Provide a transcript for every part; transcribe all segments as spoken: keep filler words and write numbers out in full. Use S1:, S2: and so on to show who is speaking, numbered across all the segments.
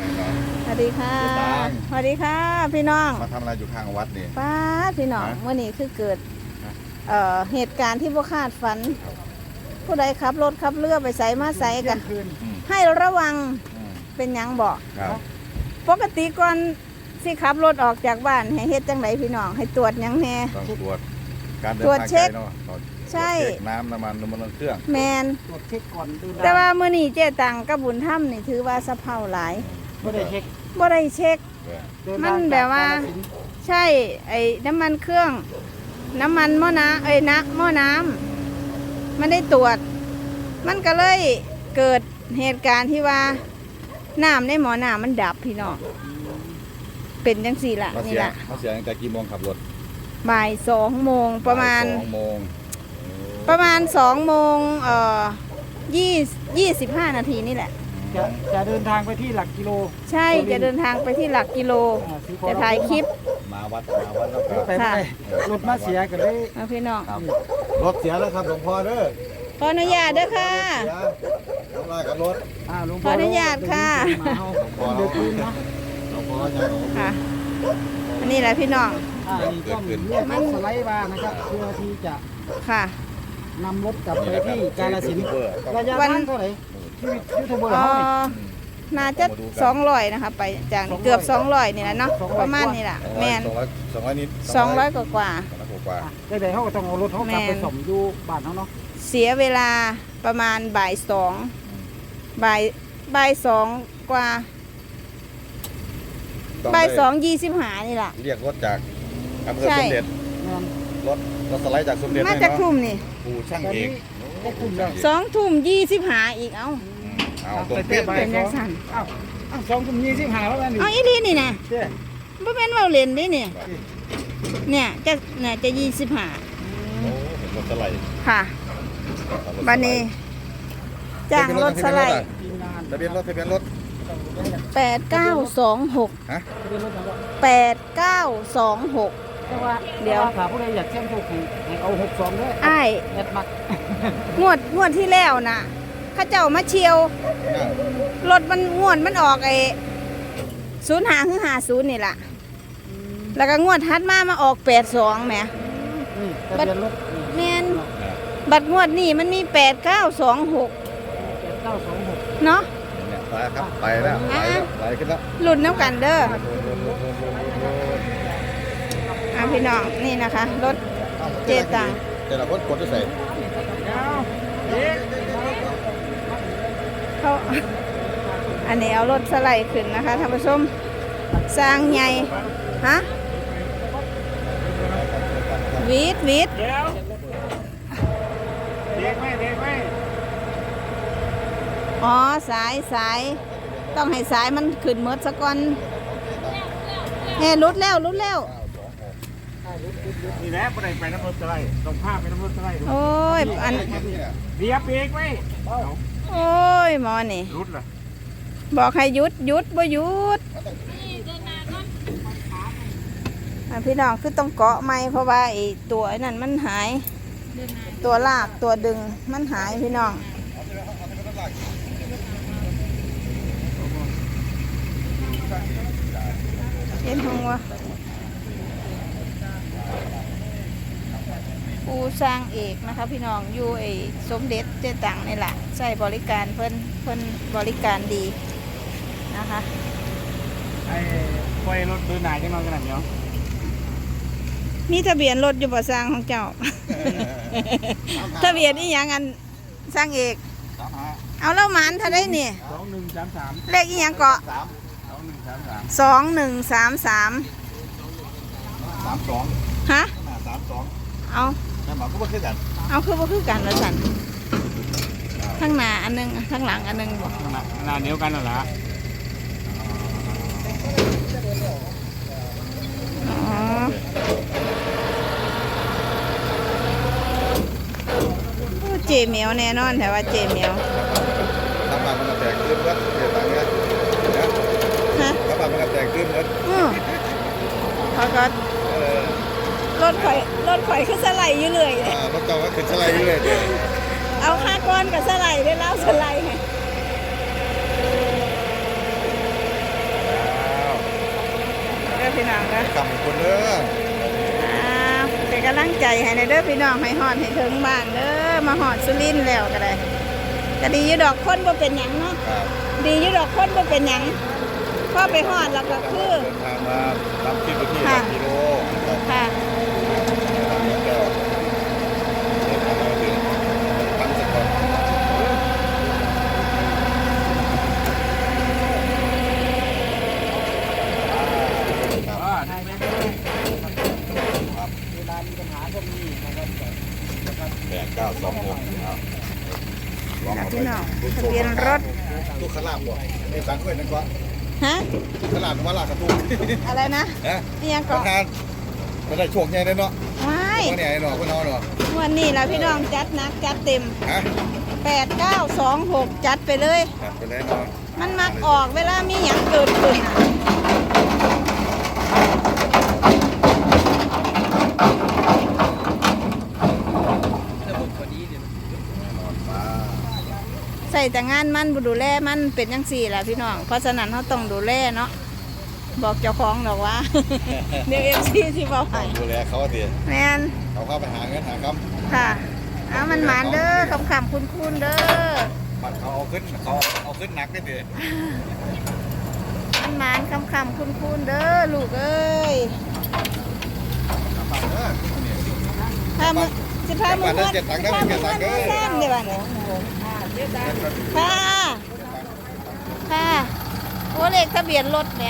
S1: สวัสดีค่ะสวัสดีค่ะพี่น้อง
S2: มาทำอะไรอยู่ข้างวัดนี่
S1: ป้าพี่น้องเมื่อนี้คือเกิดเอ่อเหตุการณ์ที่บ่คาดฝันผู้ใดขับรถขับเรือไปใส่มาใส่กันให้ระวังเป็นยังบอกปกติก่อนสิขับรถออกจากบ้านให้เฮ็ดจังไดพี่น้องให้ตรวจยังแน่
S2: ต้องตรวจการเดินทาง
S1: ตรวจเช็ค
S2: ใช่น้ำน้ำมันน้ำมันเครื่อง
S1: แมน
S3: ตรวจเช็คก่อนดู
S1: แต่ว่ามื้อนี้เจ๊ตังกับบุญธรรมนี่ถือว่าสะเพร่าหลาย
S3: บ่ได้เช็ค
S1: บ่ได้เช็คมันแบบว่าใช่ไอ้น้ำมันเครื่องน้ำมันหม้อน้ำเอ้ยนะหม้อน้ำมันได้ตรวจมันก็เลยเกิดเหตุการณ์ที่ว่าน้ำในหม้อน้ำมันดับพี่น้องเป็นจังสี่ละนี่ละ
S2: เขาเสียตั้งแต่กี่โมงขับรถ
S1: บ่ายสองโมงประมาณ
S2: สองโมง
S1: ประมาณสองโมงเอ่อยี่ยี่สิบห้านาทีนี่แหละ
S3: จะจะเดินทางไปที่หลักกิโล
S1: ใช่จะเดินทางไปที่หลักกิโลจะถ่ายคลิป
S2: มาวัดมาวัดแล้วก็
S3: ไปไม่ได้รถมาเสียกันเลย
S1: พี่น้อง
S2: รถเสียแล้วครับหลวงพ่อเด้อ
S1: ขออนุญาตเด้อค่ะ
S2: ทำลายกับรถ
S1: ขออนุญาตค่ะ
S3: เดือดปืนนะ
S1: ค่ะอันนี้แหละพี่น้อง
S3: อ่านี่ต้องเรียกรถสไลด์มานะครับเพื่อที่จะ
S1: ค่ะ
S3: นำรถกลับไปที่กาฬสินธุ์ระยะทางเท่าไหร่ที่ยูทูบเบอร์เขาเนี่ย
S1: น่าจะสองร้อยนะคะไปจากเกือบสองร้อยนี่แหละเนาะประมาณนี้แหละแมน
S2: สองร้อยนิด
S1: สองร้อยกว่ากว่า
S3: ได้ได้เขาก็ต้องเอารถเขากลับไปส่งอยู่บ้านเขาเนาะ
S1: เสียเวลาประมาณบ่ายสองบ่ายบ่ายสองกว่าบ่ายสองยี่สิบห้านี่แหละ
S2: เรียกรถจากอำเภอสมเด็จรถรถสไลด์จากสมเด็จ
S1: มาจากทุ่มนี่
S2: ปูช่างเอง
S1: สองทุ่มยี่สิบห้าอีกเอ้า
S2: เอาตรงเป๊ะ
S1: เป็นยังสั่น
S3: เอ้าสองทุ่มยี่สิบห้าแล้วนี่
S1: เอาอีนี่นี่นะบ่แม่นว่าเล่นดิเนี่ยเนี่ยจะเนี่ยจะยี่สิบห้า
S2: โอ้เป็นรถสไลด์
S1: ค่ะบัดนี้จ้างรถสไลด์
S2: ทะเบียนรถทะเบียนรถ
S1: แปดเก้าสองหก
S2: ฮะ
S1: แปดเก้าสองหก
S3: แต่ว่าเดี๋ยวถ้าผู้ใดอยากเช่นถูกให้เอาหกสองด้วย
S1: ไอ้
S3: แอดมัก
S1: งวดงวดที่แล้วน่ะข้าเจ้ามาเชียวรถมันงวดมันออกไอ้ศูนย์หาคือหาศูนย์นี่แหละแล้วก็งวดทัดมามาออกแปดสองแหม
S3: บัตร
S1: แมนบัตรงวดนี่มันมีแปดเก้าสองหก
S3: เก้าสองหก
S1: เนาะ
S2: ไปครับไปแล้วไปไปขึ้นแล้ว
S1: หลุดน้ำกันเด้ออ่ะพี่น้องนี่นะคะรถเจตัง
S2: แต่ละคนกดจะใส่
S1: เขาอันนี้เอารถสไลด์ขึ้นนะคะท่านผู้ชมสร้างใหญ่ฮะวีดวีดอ๋อสายสายต้องให้สายมันขึ้นเมดซะก่อนเฮ้รุดแล้วรุดแล้ว
S3: นี่แหละไปไปน้ำรถอะไรต้องพาไปน้ำรถอะไร
S1: โอ้ยอัน
S3: เบียบเองไหม
S1: โอ้ยหมอนี่
S3: รุดเหรอ
S1: บอกให้หยุดหยุดบ่หยุดพี่น้องคือต้องเกาะไม้เพราะว่าไอ้ตัวไอ้นั่นมันหายตัวลากตัวดึงมันหายพี่น้องเห็นห้องวะปูสร้างเอกนะคะพี่น้องอยู่ไอ้สมเด็จเจตังนี่แหละใช้บริการเพิ่นเพิ่นบริการดีนะคะ
S3: ไอ้ไฟรถดูหนาจังนอนขนาดนี้
S1: มีทะเบียนรถอยู่บ่สร้างของเจ้าทะเบียนนี่ยังอันสร้างเอกเอาแล้วหมานเท่าได้เนี่ย
S3: สองหนึ่งสามสาม
S1: เลขอีหยังเกาะสองหนึ่งสามสาม
S2: สามสอง
S1: ฮะ
S2: สามสอง
S1: เอา
S2: แม่หมอก็บ่คือกัน
S1: เอาคือบ่คือกันแล้วสันข้างหน้าอันนึงข้างหลังอันนึงบอก
S3: หน้าเดียวกันเหรอ
S1: อ๋อเจเหมียวแน่นอนแต่ว่าเจเหมียว
S2: ทำมามันแตกขึ้นแล้วเดี๋ยวต่างเงี้ยฮะทำมามันแตกขึ้นแล้ว
S1: อือเขาก็รถไฟรถไฟขึ้นสไลด์อยู่เลย
S2: อ่ารถเก่าก็ขึ้นสไลด์อยู่เลย
S1: เอาห้าก้อนกับสไลด์ได้แล้วสไลด์ไงพี่น้องนะ
S2: กำคนเด้อ
S1: อ่าเป็นกำลังใจให้ในเด้อพี่น้องให้ฮอดให้ถึงบ้านเด้อมาฮอดสุรินทร์แล้วก็ได้ก็ดีอยู่ดอกคนบ่เป็นหยังเนาะ
S2: ครับ
S1: ดีอยู่ดอกคนบ่เป็นหยังพอไปฮอดแล้วก็คือ
S2: เดินทางมาตามที่ไปที่
S1: ค่ะ
S2: กิโลครับ
S1: ค่ะ
S2: ทางนี้ก็เดินทางมาถึงทั้งสกลครับ
S3: เวลามีปัญหาพวกนี้นะครับ
S2: แปดเก้าสองหกครับลองเอา
S1: พี่
S2: ไป
S1: น้องทะเบียนรถ
S2: ตู้ขลาบบ่ไอ้สังเวยนั่นก็
S1: ฮะ
S2: ตู้ขลาบมาลากกระตุ้ง
S1: อะไรนะ
S2: นะ
S1: นี่ยัง
S2: ป
S1: เกาะ
S2: ระธานไม่ได้โชคใหญ่เลยเนาะ
S1: ไม่
S2: ว่าเนี่ยไอ้เนาะพี่น้องเนาะ
S1: วันนี้ล่ะพี่น้องจัดหนักจัดเต็ม
S2: ฮะ
S1: แปดเก้าสองหกจัดไปเลย
S2: ครับไปเลยเนาะ
S1: มันมักออกเวลามีหยังเกิดขึ้นน่ะใส่แต่งานมันบ่ดูแลมันเป็นจังซี่ล่ะพี่น้อง เพราะฉะนั้นเราต้องดูแลเนาะบอกเจ้าของดอกว่า เดี๋ยวเอฟซีที่บอก
S2: ต้
S1: ให้
S2: องดูแลเขาสิ
S1: แมน
S2: เขาเข้าไปหาเงินหาคำ
S1: ค่ะเอามันหมานเด้อคำคำคุณคุณเด้อ
S2: บัตรเขาเอาขึ้นเขาเอาขึ้นหนักได้ดิ
S1: มันหมานคำคำคุณคุณเด้อลูกเอ้ย
S2: บัตรเด้อ
S1: พามือจะพามือเพื่อนจะพามือเพื่อนมาแซมเดี๋ยวบ้านนี้ค่ะค่ะโอ้เลขทะเบียนรถเนี่ย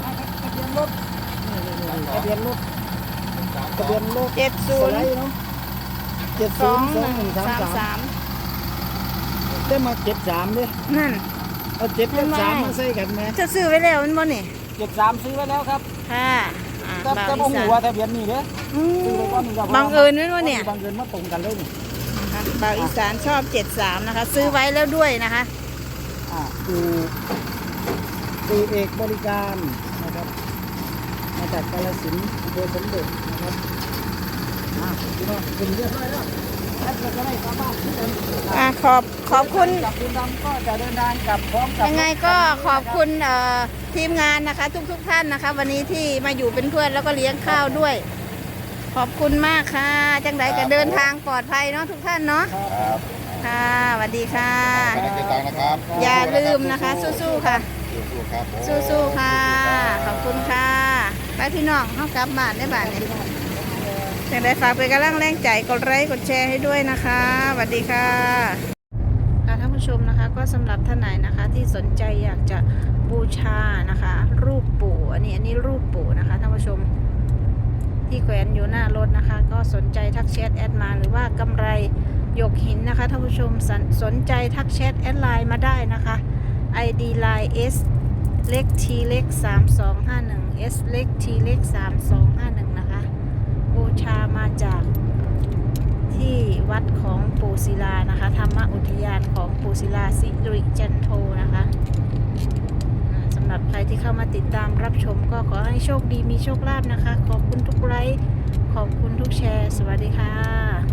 S3: ทะเบียนรถทะเบียนรถ
S1: เจ็ดศู
S3: ส
S1: นย์
S3: ไลด์เนาะเจ็ด
S1: ส
S3: ศู
S1: อน ง
S3: ย์ส
S1: ห
S3: อง
S1: นึ่ง
S3: หนึ่งสาม
S1: สาม
S3: สาม
S1: สาม
S3: ได้มาเจ็ดสามด้วย
S1: นั่น
S3: เอาเจ็ดกับสามมาใส่กันไหม
S1: จะซื้อไว้แล้วมันบ่นี่
S3: เจ็ดสามซื้อไว้แล้วครับ
S1: ค่ะอ่า
S3: แต่
S1: บ่าว
S3: แต่บ่
S1: อี
S3: หู
S1: สาน
S3: ว่าทะเบียนนี่เด้อ
S1: อื
S3: ซื้อไว้ก่อนนี่ก็พ
S1: บังเอิญด้วยวะเนี่ย
S3: บังเอิญมาตรงกันเลยนี่
S1: อ่ะบ่าวอีสานชอบเจ็ดสามนะคะ ซื้อไว้แล้วด้วยนะคะ
S3: อ่าดูดูเอกบริการนะครับมาจากกาฬสินธุ์อำเภอสมเด็จนะครับอ่าพี่น้องเป็นเรียบร้อยแล้วแอดจะได้กลับบ้านที่เดิม
S1: อ่ะขอบขอบคุณ
S3: กับคุณดำก็จะเดินทางกลับพร้อมกับ
S1: ยังไงก็ขอบคุณเอ่อทีมงานนะคะ ทุกทุกๆท่านนะคะ วันนี้ที่มาอยู่เป็นเพื่อนแล้วก็เลี้ยงข้าวด้วย ขอบคุณมากค่ะ จังไดก็เดินทางปลอดภัยเนาะทุกท่านเนาะ
S2: ครับ
S1: ค่ะสวัสดีค่ะ
S2: ไม่ได้เก็บตังค์นะครับ
S1: อย่าลืมนะคะ สู้ๆค่ะ
S2: สู้ๆครับผม
S1: สู้ๆค่ะ ขอบคุณค่ะไปพี่น้องเข้ากลับบ้านได้บ้านนี้จังไดฝากเป็นกำลังแรงใจกดไลค์กดแชร์ให้ด้วยนะคะสวัสดีค่ะค่ะท่านผู้ชมนะคะก็สำหรับท่านไหนนะคะที่สนใจอยากจะบูชานะคะ รูปปู่อันนี้อันนี้รูปปู่นะคะท่านผู้ชมที่แขวนอยู่หน้ารถนะคะ ก็สนใจทักแชทแอดมาหรือว่ากำไรหยกหินนะคะท่านผู้ชมสนสนใจทักแชทแอดไลน์มาได้นะคะ ไอ ดี ไลน์ S เล็ก T เล็กสามสองห้าหนึ่ง S เล็ก T เล็กสามสองห้าหนึ่งนะคะบูชามาจากที่วัดของปู่ศิลานะคะธรรมอุทยานของปู่ศิลาสิริจันโทนะคะอ่าสำหรับใครที่เข้ามาติดตามรับชมก็ขอให้โชคดีมีโชคลาภนะคะ ขอบคุณทุกไลค์ขอบคุณทุกแชร์ สวัสดีค่ะ